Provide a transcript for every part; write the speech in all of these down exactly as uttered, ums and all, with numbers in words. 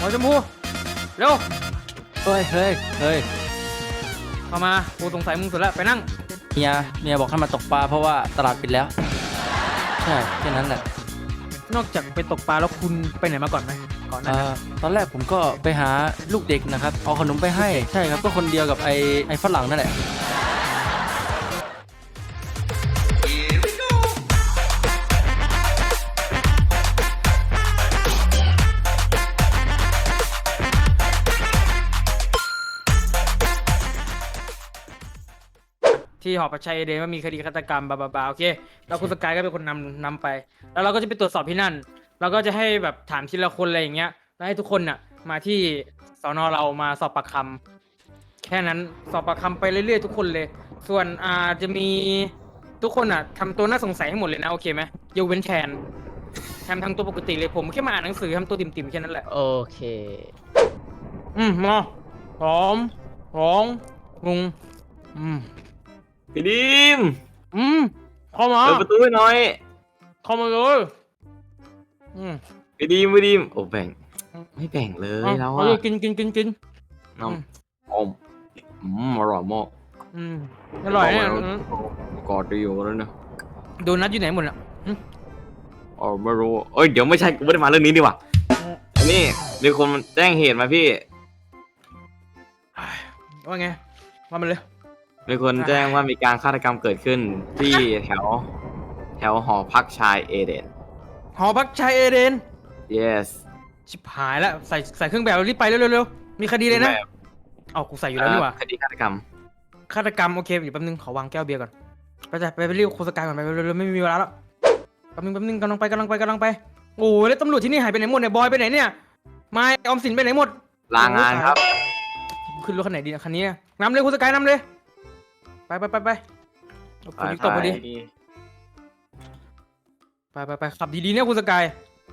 ชมพูเร็วเฮ้ยเฮ้ยเฮ้ยเข้ามากูสงสัยมึงสุดแล้วไปนั่งเมียเมียบอกให้มาตกปลาเพราะว่าตลาดปิดแล้วใช่แค่นั้นแหละนอกจากไปตกปลาแล้วคุณไปไหนมาก่อนไหมก่อนหน้าเอ่นั้นอตอนแรกผมก็ไปหาลูกเด็กนะครับเอาขนมไปให้ใช่ครับก็คนเดียวกับไอ้ไอ้ฝรั่งนั่นแหละที่หอประชัยเอเดนว่ามีคดีฆาตกรรมบาบาบาโอเคแล้วคุณสกายก็เป็นคนนำนำไป แล้วเราก็จะไปตรวจสอบที่นั่น เราก็จะให้แบบถามทีละคนอะไรอย่างเงี้ยแล้วให้ทุกคนน่ะมาที่สอนอเรามาสอบปากคำแค่นั้นสอบปากคำไปเรื่อยๆทุกคนเลย ส่วนอ่าจะมีทุกคนอ่ะทำตัวน่าสงสัยให้หมดเลยนะโอเคไหมยกเว้นแทนแทนทำตัวปกติเลยผมแค่มาอ่านหนังสือทำตัวติ่มๆแค่นั้นแหละโอเคอืมมาพร้อมสองงงอืมพี่ดิมอืมเข้ามาเปิดประตูให้หน่อยเข้ามาเลยอืมพี่ดิมพี่ดิมโอ้แบ่งไม่แบ่งเลยแล้วเอาอ่ะเลยกินกินกินกินน้องอมอืมอร่อยมากอืมอร่อยเนี่ยอืมกอดดีอยู่แล้วนะโดนัทอยู่ไหนหมดอ่ะอืมอ๋อไม่รู้เอ้ยเดี๋ยวไม่ใช่กูไม่ได้มาเรื่องนี้ดีกว่าอันนี้มีคนแจ้งเหตุมาพี่ว่าไงว่ามันเลยมีคนแจ้งว่ามีการฆาตกรรมเกิดขึ้นที่แถว แถวหอพักชายเอเดนหอพักชายเอเดน yes ชิบหายแล้วใส่ใส่เครื่องแบบรีบไปเร็วเร็วๆมีคดีเลยนะเอากูใส่อยู่แล้วนี่หว่าคดีฆาตกรรมฆาตกรรมโอเคอยู่แป๊บนึงขอวางแก้วเบียร์ก่อนไปจ้ะไปไปเรียกโคสกายก่อนไปเร็วๆไม่มีเวลาแล้วแป๊บนึงแป๊บนึงกำลังไปกำลังไปกำลังไปโอ้ยแล้วตำรวจที่นี่หายไปไหนหมดเนี่ยบอยไปไหนเนี่ยไม่ออมสินไปไหนหมดลางานครับขึ้นรถคันไหนดีนะคันนี้นะนำเลยคุณสกายนำเลยไปไปไปไปฝนตกพอดีไปไปไปขับดีๆเนี่ยคุณสกาย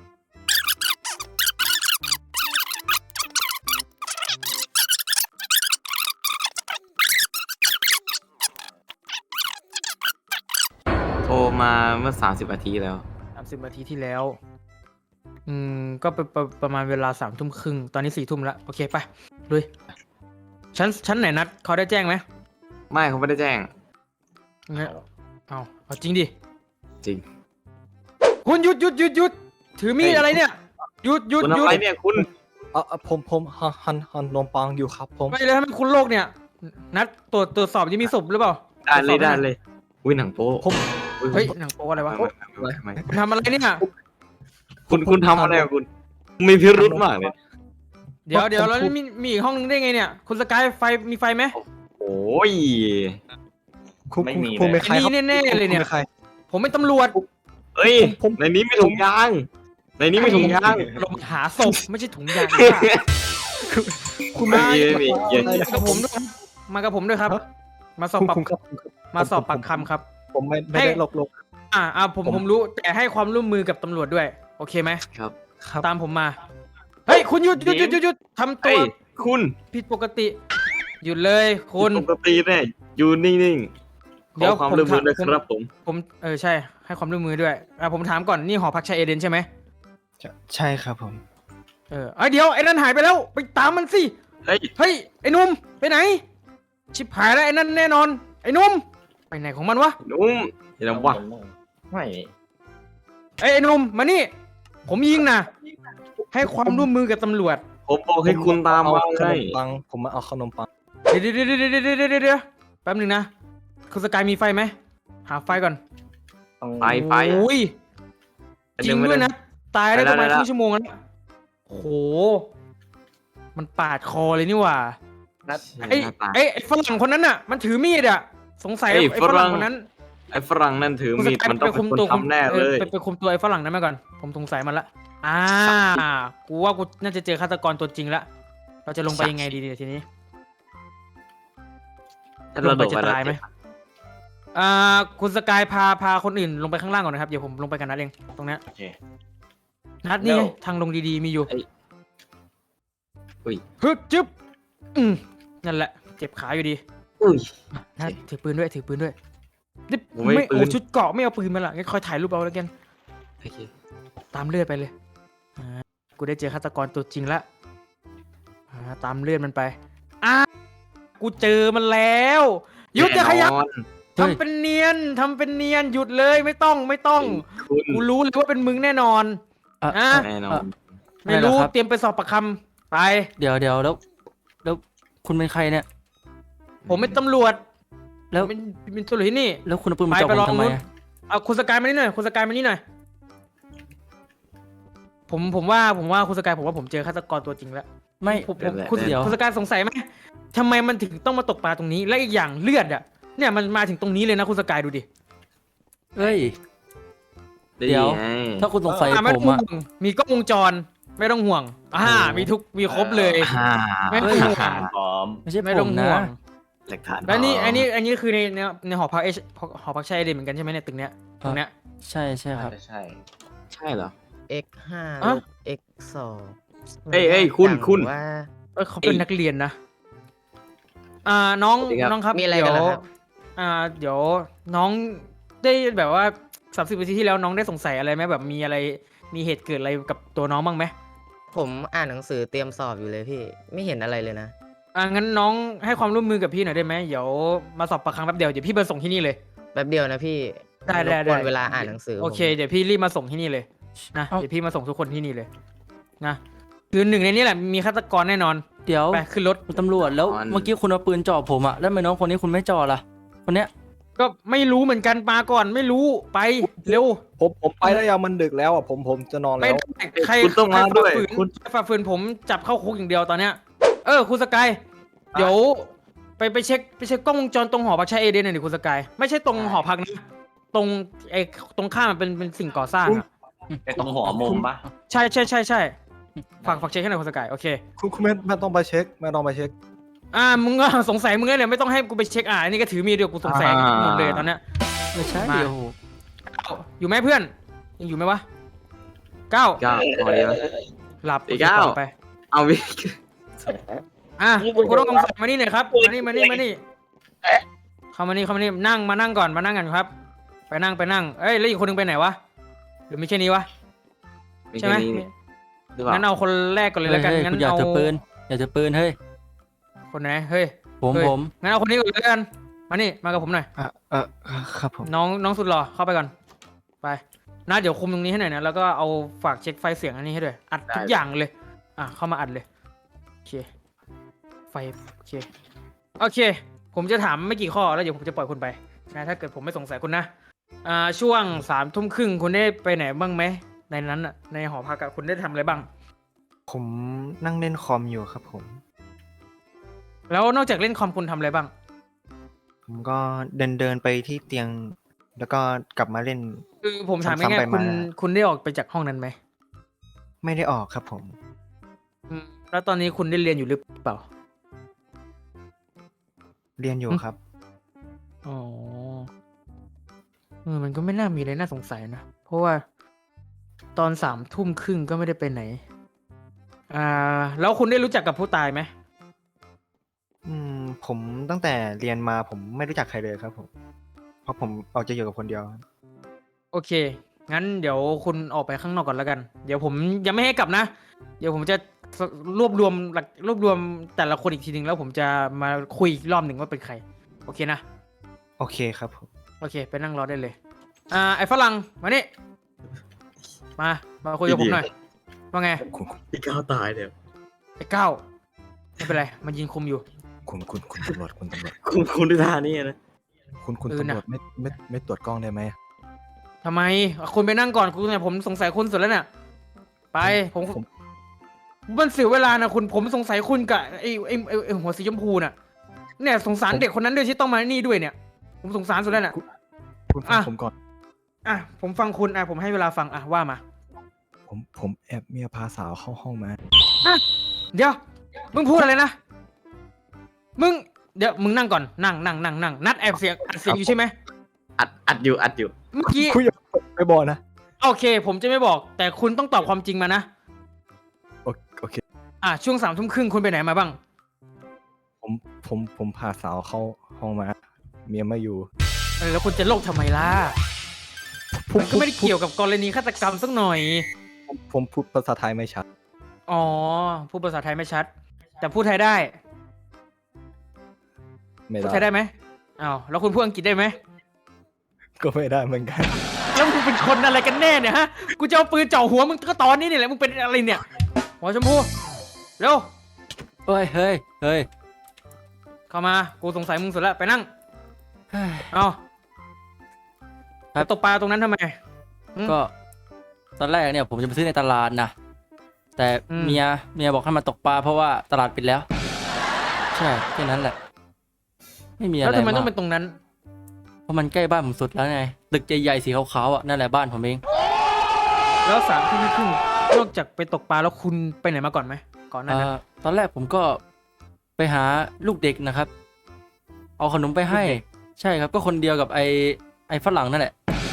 โทรมาเมื่อสามสิบนาทีแล้วสามสิบนาทีที่แล้วอืมก็ประประประมาณเวลาสามทุ่มครึ่งตอนนี้สี่ทุ่มแล้วโอเคไปลุยชั้นชั้นไหนนัดเขาได้แจ้งไหมไม่เขาไม่ได้แจ้งงั้นเอาเอาจริงดิจริงคุณหยุดหยุดหยุดหยุดถือมีดเฮ้ยอะไรเนี่ยหยุดหยุดคุณหยุทำดอะไรเนี่ยคุณเออผมผมหั่นหั่นหั่นนมปังอยู่ครับผมไม่เลยทำไมคุณโลกเนี่ยนัดตรวจตรวจสอบยังมีศพหรือเปล่าได้เลยตรวจสได้อบหน่อเลยอุ้ยหนังโป๊ผมอุ๊เฮ้ยหนังโป๊อะไรวะไม่ไม่ไม่ไม่คุณทำอะไรเนี่ยคุณคุณทำอะไรกับคุณ มีพิรุธมากเลยเดี๋ยวเดี๋ยวแล้วมีมีอีกห้องนึงได้ไงเนี่ยคุณสกายไฟมีไฟไหมโอ้ยคุณไม่คุณมีคุณเลยเป็นใครครับอันนี้แน่ๆเลยเนี่ยคุณป็ใครผมเป็นตำรวจเอ้ยผมในนี้มีถุงยาง ในนี้มีถุงยางลงหาศพไม่ใช่ถุงยางคุณไม่ไม่มีไม่มีเย็นมากับผมด้วยครับมากับผมด้วยครับ มาสอบคุณปากคุณครับคุณครับมาสอบปากคำครับผมไม่ไม่ให้ได้หลอกลวงอ่าอ่าผมผมผมรู้แต่ให้ความร่วมมือกับตำรวจด้วย โอเคไหมครับครับตามผมมา เฮ้ย คุณหยุดหยุดหยุดหยุดหยุดทำตัเฮ้วยคุณผิดปกติ หยุดเลยคุณปกติเนี่ยอยู่นิ่งๆขเดี๋อยวความผมร่วมมือด้วยถามครับผมผมเออใช่ ให้ความร่วมมือด้วยอ่าผมถามก่อนนี่หอพักชายเอเดนใช่ไหมใช่ครับผมเออไอยเดี๋ยวไอ้นั่นหายไปแล้วไปตามมันสิเฮ้ยเฮ้ยไอ้หนุ่มไปไหน ชิบหายแล้วไอ้นั่นแน่นอน ไอ้หนุ่มไปไหนของมันวะนุ่มเห็นว่าไม่เอ้ยไอ้หนุ่มมานี่ ผมยิงนะให้ความร่วมมือกับตำรวจผมบอกให้คุณตามมาเอขไงนมปังผมมาเอาขนมปังเดี๋ยวเดี๋ยวเดี๋ยวเดี๋ยวเดี๋ยวเดี๋ยวเดี๋ยวแป๊บหนึงนะคุณสกายมีไฟไหมหาไฟก่อนต้องไปไปโอ้ยจริงด้วยนะ ตายได้ไปประมาณแล้วครึ่งชั่วโมงแล้วโอ้โห มันปาดคอเลยนี่หว่านัดไอ้ไอ้ไอ้ฝรั่งคนนั้นน่ะ มันถือมีดอ่ะ สงสัยไอ้ไอ้ฝฝรั่รั่งงคนนั้นไอ้ฝรั่งนั่นถือคุณสมีดกายมันต้องไปเป็คุนมคนตัวทำแน่เลยไปไปคุมตัวไอ้ฝรั่งนั้นมาก่อน ผมสงสัยมันละอ่ากูว่ากูน่าจะเจอฆาตกรตัวจริงละเราจะลงไปยังไงดีๆทีนี้ถ้าลเรางโดไปดจะไปแล้วตายไหมอ่าคุณสกายพาพาคนอื่นลงไปข้างล่างก่อนนะครับ เดี๋ยวผมลงไปกันนัดเอง ตรงเนี้ยโอเคนัดนี่ไงแล้วทางลงดีๆมีอยู่อุ้ยฮึบจึ๊บอืมนั่นแหละ เจ็บขาอยู่ดีอุ้ยนัดถือปืนด้วย ถือปืนด้วยนี่ผมไม่ไม่ปืนโอ้ชุดเกราะไม่เอาปืนมาละงั้นคอยถ่ายรูปเอาแล้วกันโอเคตามเลือดไปเลยอ่ากูได้เจอฆาตกรตัวจริงละตามเลื่อนมันไปอ่ะกูเจอมันแล้วหยุดอย่าขยับแน่นอนทำเป็นเนียนทำเป็นเนียนหยุดเลยไม่ต้องไม่ต้องคุณกูรู้เลยว่าเป็นมึงแน่นอนอ่ะอ่ะแน่นอนไม่รู้อะไรเหรอครับเตรียมไปสอบปากคำไปเดี๋ยวเดี๋ยวแล้ว แล้วคุณเป็นใครเนี่ยผมเป็นตำรวจแล้วเป็นเป็นตำรวจที่นี่แล้วคุณเอาปืนมาไปจ่อไปผมลองทำไมนู้นอะเอาคุณสกายมานี่หน่อยคุณสกายมานี่หน่อยผมผมว่าผมว่าคุณสกายผมว่าผมเจอฆาตกรตัวจริงแล้วไม่ผมผมเดี๋ยวคุณเดี๋ยวคุณสกายสงสัยไหมทำไมมันถึงต้องมาตกปลาตรงนี้และอีกอย่างเลือดอ่ะเนี่ยมันมาถึงตรงนี้เลยนะคุณสกายดูดิเอ้ยได้เดี๋ยวไงถ้าคุณสงสัยอ่ะไม่ผต้อมงอะห่วงมีกล้องวงจรไม่ต้องห่วงอ่าโอ้มีทุกมีครบเลยอ่าไม่ต้องห่วงพร้อมไม่ใช่ไม่ผต้องมห่นะวงหลักฐานแล้วนี่พร้มอันนี้อันนี้คือในในในหอพักเอชหอพักชายเดนเหมือนกันใช่ไหมเนี่ยตึกเนี้ยตรงเนี้ยใช่ใช่ครับใช่ใช่เหรอ x ห้าอ่ะลบ x สองเอ้ยเอ้ยคุณคุณว่าเออเขาเป็นนักเรียนนะอ่าน้องสวัสดีครับน้องครับมีอะไรเดี๋กัยนวเหรอครับอ่าเดี๋ยวน้องได้แบบว่าสามสิบนาทีที่แล้วน้องได้สงสัยอะไรไหมแบบมีอะไรมีเหตุเกิดอะไรกับตัวน้องบ้างไหมผมอ่านหนังสือเตรียมสอบอยู่เลยพี่ ไม่เห็นอะไรเลยนะอ่างั้นน้องให้ความร่วมมือกับพี่หน่อยได้ไหมเดี๋ยวมาสอบปากคำแป๊บเดียวเดี๋ยวพี่ไปส่งที่นี่เลยแป๊บเดียวนะพี่ได้ได้รบกวนได้เวลาอ่านหนังสือโอเคผมเดี๋ยวพี่รีบมาส่งที่นี่เลยนะเอ้าเดี๋ยวพี่มาส่งทุกคนที่นี่เลยนะคือหนึ่งในนี้แหละมีฆาตกรแน่นอนเดี๋ยวไปขึ้นรถคุณตำรวจแล้วอ๋อเมื่อกี้คุณเอาปืนจ่อผมอะแล้วทำไมน้องคนนี้คุณไม่จ่อล่ะ คนเนี้ยก็ไม่รู้เหมือนกันมาก่อนไม่รู้ไปเร็วผมผมไปแล้วยังมันดึกแล้วอ่ะผมผมจะนอนไม่แล้วได้ใครคุณต้องมาด้วยใครฝ่ฝืนคุณใครฝ่าฝืนผมจับเข้าคุกอย่างเดียวตอนเนี้ยเออคุณสกายเดี๋ยวไปไปเช็คไปเช็คกล้องวงจรตรงหอพักชายเอเดนหน่อยดิคุณสกายไม่ใช่ตรงหอพักนะตรงไอ้ตรงข้ามมันเป็นเป็นสิ่งก่อสร้างอะไอตรงหัวมุมปะใช่ใช่ใช่ใช่ฝากฝากเช็คให้หน่อยคุณสกายโอเคคุณคุณไม่ไม่ต้องไปเช็คไม่ต้องไปเช็คอ่ามึงก็สงสัยมึงเลยเนี่ยไม่ต้องให้กูไปเช็คอ่าอันนี้ก็ถือมีดเดียวกูสงสัยอ่าหมดเลยตอนเนี้ยไม่ใช่มาเดี๋ยวเอ้าอยู่ไหมเพื่อนยังอยู่ไหมวะเก้าเก้าเอาดีวะหลับอีกเก้าไปเอาวิอ่ะคุณต้องสงสัยมานี่หน่อยครับมานี่มานี่มานี่เข้ามานี่เข้ามานี่นั่งมานั่งก่อนมานั่งกันครับ ไปนั่งไปนั่งเอ้ยแล้วอีกคนนึงไปไหนวะหรือไม่ใช่นี้วะมีใช่ไหมแค่นี้หรือเปล่างั้นเอาคนแรกก่อนเลยเฮ้แล้ยวกันเฮ้ยงั้คุณนอยากเอาจะปืนอยากจะปืนเฮ้ยคนไหนเฮ้ยผมเฮ้ยผมงั้นเอาคนนี้ก่อนเลยแล้วกันมานี่มากับผมหน่อยอ่ะเออครับผมน้องน้องสุดหล่อเข้าไปก่อนไปนะเดี๋ยวคุมตรงนี้ให้หน่อยนะแล้วก็เอาฝากเช็คไฟเสียงอันนี้ให้ด้วยอัดทุกอย่างเลยอ่ะเข้ามาอัดเลยโอเคไฟโอเคโอเค ผมจะถามไม่กี่ข้อแล้วเดี๋ยวผมจะปล่อยคุณไปนะถ้าเกิดผมไม่สงสัยคุณนะอ่าช่วงสามทุ่มครึ่งคุณได้ไปไหนบ้างไหมในนั้นอ่ะในหอพักอะคุณได้ทำอะไรบ้างผมนั่งเล่นคอมอยู่ครับผมแล้วนอกจากเล่นคอมคุณทำอะไรบ้างผมก็เดินเดินไปที่เตียง แล้วก็กลับมาเล่นคือผมถามซ้ำๆง่ายไปๆคุณมาคุณได้ออกไปจากห้องนั้นไหมไม่ได้ออกครับผมอืมแล้วตอนนี้คุณได้เรียนอยู่หรือเปล่าเรียนอยู่ครับอ๋อเออมันก็ไม่น่ามีอะไรน่าสงสัยนะ เพราะว่าตอนสามทุ่มครึ่งก็ไม่ได้ไปไหน อ่า แล้วคุณได้รู้จักกับผู้ตายไหมอืมผมตั้งแต่เรียนมาผมไม่รู้จักใครเลยครับผม เพราะผมออกจะอยู่กับคนเดียวครับโอเค งั้นเดี๋ยวคุณออกไปข้างนอกก่อนแล้วกัน เดี๋ยวผมยังไม่ให้กลับนะ เดี๋ยวผมจะรวบรวมหลักรวบรวมแต่ละคนอีกทีหนึ่งแล้วผมจะมาคุยอีกรอบหนึ่งว่าเป็นใคร โอเคนะโอเคครับผมโอเค ไปนั่งรอได้เลย อ่า ไอ้ฝรั่ง มานี่ มา มาคุยกับผมหน่อย ว่าไงคุณคุณพี่ก้าวตายเดี๋ยวไอ้ก้าวไม่เป็นไร มันยิงคุมอยู่คุณคุณคุณตำรวจคุณตำรวจคุณคุณดิธานี่นะคุณคุณเออตำน่ะรวจไม่ไม่ไม่ตรวจกล้องได้ไหมทำไมอ่ะคุณไปนั่งก่อน คุณเนี่ยผมสงสัยคุณสุดแล้วเนี่ย ไป ผมผมมันเสียเวลานะคุณ ผมสงสัยคุณกับไอ้ไอ้ไอ้ไอ้หัวสีชมพูน่ะ เนี่ยสงสารเด็กคนนั้นด้วยที่ต้องมานี่ด้วยเนี่ย ผมสงสารสุดแล้วน่ะคุณฟังอ่ะผมก่อนอ่ะ ผมฟังคุณ อ่ะ ผมให้เวลาฟัง อ่ะ ว่ามาผมผมแอบเมียพาสาวเข้าห้องมาเดี๋ยว มึงพูดอะไรนะ มึง เดี๋ยว มึงนั่งก่อน นั่งนั่งนั่งนั่งนัดแอบเสียงอัดเสียงอยู่ใช่ไหมอัดอัดอยู่อัดอยู่เมื่อกี้คุยอย่าไปบอกนะโอเค ผมจะไม่บอก แต่คุณต้องตอบความจริงมานะโอโอเคอ่ะ ช่วงสามทุ่มครึ่งคุณไปไหนมาบ้างผมผมผมพาสาวเข้าห้องมา เมียไม่อยู่เออ แล้วคุณจะโลกทำไมล่ะ มันก็ไม่ได้เกี่ยวกับกรณีฆาตกรรมสักหน่อยผมผมพูดภาษาไทยไม่ชัดอ๋อ พูดภาษาไทยไม่ชัด แต่แต่พูดไทยได้ไม่พูดได้ไทยได้ไหมอ้าวแล้วคุณพูดอังกฤษได้ไหมก็ไม่ได้เหมือนกันแล้วมึงเป็นคนอะไรกันแน่เนี่ยฮะกูจะเอาปืนเจาะหัวมึงก็ตอนนี้นี่แหละมึงเป็นอะไรเนี่ยหัวชมพูเร็วเฮ้ยเฮ้ยเฮ้ยเข้ามากูสงสัยมึงสุดแล้วไปนั่งเฮ้ยเอาครับไปตกปลาตรงนั้นทำไม อืมก็ตอนแรกเนี่ยผมจะไปซื้อในตลาดนะแต่อืมเมียเมียบอกให้มาตกปลาเพราะว่าตลาดปิดแล้ว ใช่แค่นั้นแหละ ไม่มีอะไรแล้วทำไมมาต้องกเป็นตรงนั้นเพราะมันใกล้บ้านผมสุดแล้วไงตึกใหญ่ๆสีขาวๆอ่ะนั่นแหละบ้านผมเองแล้วสามทุ่มครึ่งนอกจากไปตกปลาแล้วคุณไปไหนมาก่อนไหมก่อนหน้านั้นเอ่อตอนแรกผมก็ไปหาลูกเด็กนะครับ เอาขนมไปให้ ใช่ครับก็คนเดียวกับไอ้ไอ้ฝรั่งนั่นแหละ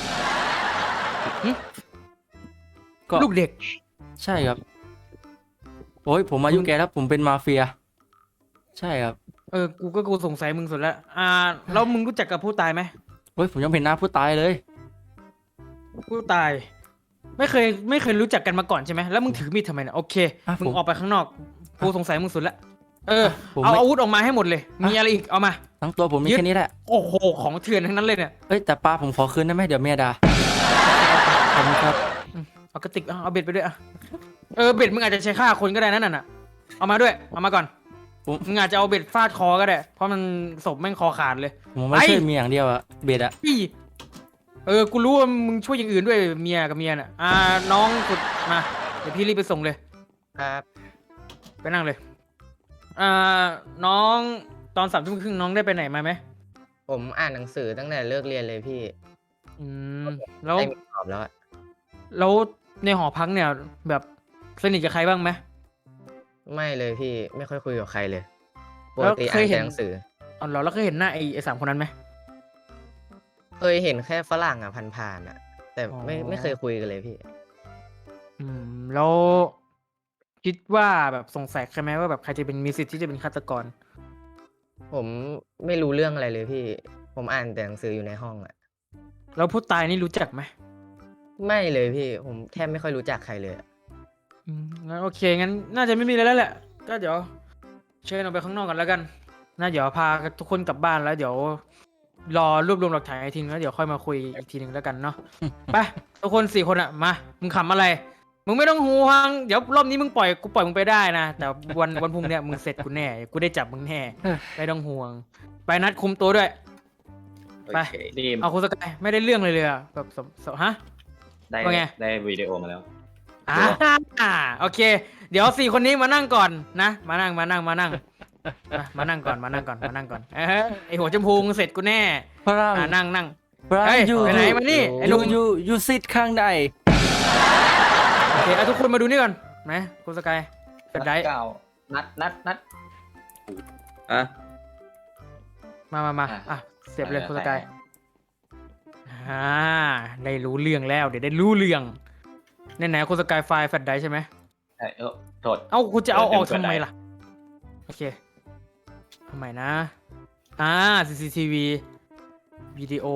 ก็ลูกเด็กใช่ครับโอ้ยผมอายุแก่แล้วผมเป็นมาเฟีย ใช่ครับเออกูก็กูสงสัยมึงสุดแล้วอ่าแล้วมึงรู้จักกับผู้ตายไหมโอ้ยผมยังเห็นหน้าผู้ตายเลยผู้ตาย ไม่เคยไม่เคยรู้จักกันมาก่อนใช่ไหมแล้วมึงถือมีดทำไมเนี่ยโอเคอ่ะมึงผมออกไปข้างนอกกูสงสัยมึงสุดแล้วเออผมเอาไม่อาวุธออกมาให้หมดเลย มีอะไรอีกเอามาทั้งตัวผมมียึดแค่นี้แหละโอ้โหของเถื่อนทั้งนั้นเลยเนี่ยเอ้ยแต่ปลาผมขอคืนได้ไหมเดี๋ยวเมียด่าขอบคุณครับเอากระติกเอาเอาเบ็ดไปด้วยอ่ะเออเบ็ดมึงอาจจะใช้ฆ่าคนก็ได้นั่นน่ะเอามาด้วยเอามาก่อนผมมึงอาจจะเอาเบ็ดฟาดคอก็ได้ เพราะมันศพแม่งคอขาดเลยผมไม่ไปใช่เมียอย่างเดียวอะเบ็ดอะพี่เออ กูรู้ว่ามึงช่วยอย่างอื่นด้วยเมียกับเมียน่ะ อ่า น้องสุดมา เดี๋ยวพี่รีบไปส่งเลยครับไปนั่งเลย อ่า น้องตอนสามทุ่มครึ่งน้องได้ไปไหนมาไหมผมอ่านหนังสือตั้งแต่เลิกเรียนเลยพี่อืม แล้วได้มีสอบแล้วอะแล้วในหอพักเนี่ย แบบสนิทกับใครบ้างไหมไม่เลยพี่ไม่ค่อยคุยกับใครเลยปแล้กวติเคอ่าย นเห็แต่นหนังสืออ๋อเหรอแล้วเคยเห็นหน้าไอ้ไอ้สามคนนั้นไหมเคยเห็นแค่ฝรั่งอ่ะผ่านๆอ่ะ แต่ไม่อ๋อไม่เคยคุยกันเลยพี่อืม แล้วคิดว่าแบบสงสัยใครไหมว่าแบบใครจะเป็นมีสิทธิ์ที่จะเป็นฆาตกรผมไม่รู้เรื่องอะไรเลยพี่ ผมอ่านแต่หนังสืออยู่ในห้องอ่ะแล้วผู้ตายนี่รู้จักไหมไม่เลยพี่ ผมแทบไม่ค่อยรู้จักใครเลยอะอืมงั้นโอเคงั้นน่าจะไม่มีอะไรแล้วแหละ ก็เดี๋ยวเชิญออกไปข้างนอกกันแล้วกันน่าเดี๋ยวพาทุกคนกลับบ้านแล้ว เดี๋ยว รอรวบรวมหลักฐานอีกทีนึงแล้วเดี๋ยวค่อยมาคุยอีกทีนึงแล้วกันเนาะ ไปทุกคนสี่คนอะมามึงขำอะไร มึงไม่ต้องห่วงเดี๋ยวรอบนี้มึงปล่อยกูปล่อยมึงไปได้นะแต่วันวันพรุ่งเนี้ยมึงเสร็จกูแน่กูได้จับมึงแน่ไม่ต้องห่วง ไปนัดคุมตัวด้วย ไปโอเคนี่เอาคุณสกายไม่ได้เรื่องเลยเลยอะแบบสสฮะได้ว่าไงได้วิดีโอมาแล้วอ่าโอเค เดี๋ยวสี่คนนี้มานั่งก่อนนะมานั่งมานั่งมานั่งมามานั่งก่อนมานั่งก่อนมานั่งก่อนเออไอหัวชมพูมึงเสร็จกูแน่ฝรั่งอ่านั่งนั่งฝรั่งเฮ้ยอยู่ไปไหนมานี่ไอ้หนุ่ยูมยูยูซิดข้างในโอเคเอาทุกคนมาดูนี่ก่อนไหมคุณสกายเป็นไดเก้านัดนัดนัดอ่ะมามามาอ่ะอ่ะเสียบเลยไปคุณสไปกายอ่าได้รู้เรื่องแล้ว เดี๋ยวได้รู้เรื่องไหนไหนๆคุณสกายไฟล์แฟลชไดรฟ์ใช่ไหมเอ้ยเออโทษเอ้าคุณจะเอาออกเปิดทำไมได้ล่ะโอเคทำไมนะอ่า ซี ซี ที วี วิดีโอ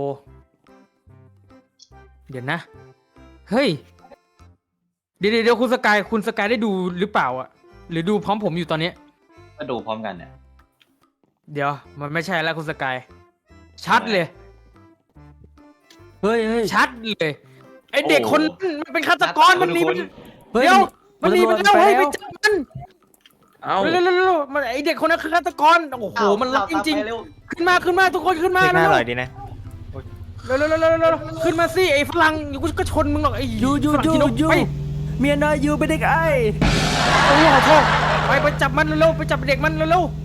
เดี๋ยวนะ เฮ้ย เดี๋ยวเดี๋ยวเดี๋ยวคุณสกายคุณสกายได้ดูหรือเปล่าอ่ะ หรือดูพร้อมผมอยู่ตอนนี้ก็ดูพร้อมกันเนี่ยเดี๋ยว มันไม่ใช่แล้วคุณสกาย ชัดเลยเฮ้ยเฮ้ยชัดเลย ไอเด็กคนนั้นมันเป็นฆาตกรมันหนีไปเฮ้ยเดี๋ยวมันหนีไปแล้วตำรจให้ยไปไปแล้วจับมันเอ้าเร็วเร็วเร็วเร็วมันไอเด็กคนนั้นคือฆาตกรโอ้โหมันรักจริง ๆ ขึ้นมาขึ้นมาทุกคนขึ้นมาเพลงหน้าเร็อวร่อยดีนะเร็วเร็วเร็วเร็วเร็วเร็วขึ้นมาสิไอฝรั่งอยู่กูก็ชนมึงหรอกไอยูยูฝรั่งยูกินนกยูไปเมียน้อยยูเป็นเด็กไอ้โอ้โหขอโทษไปไปจับมันเร็วๆไปจับเด็กมันเร็วๆ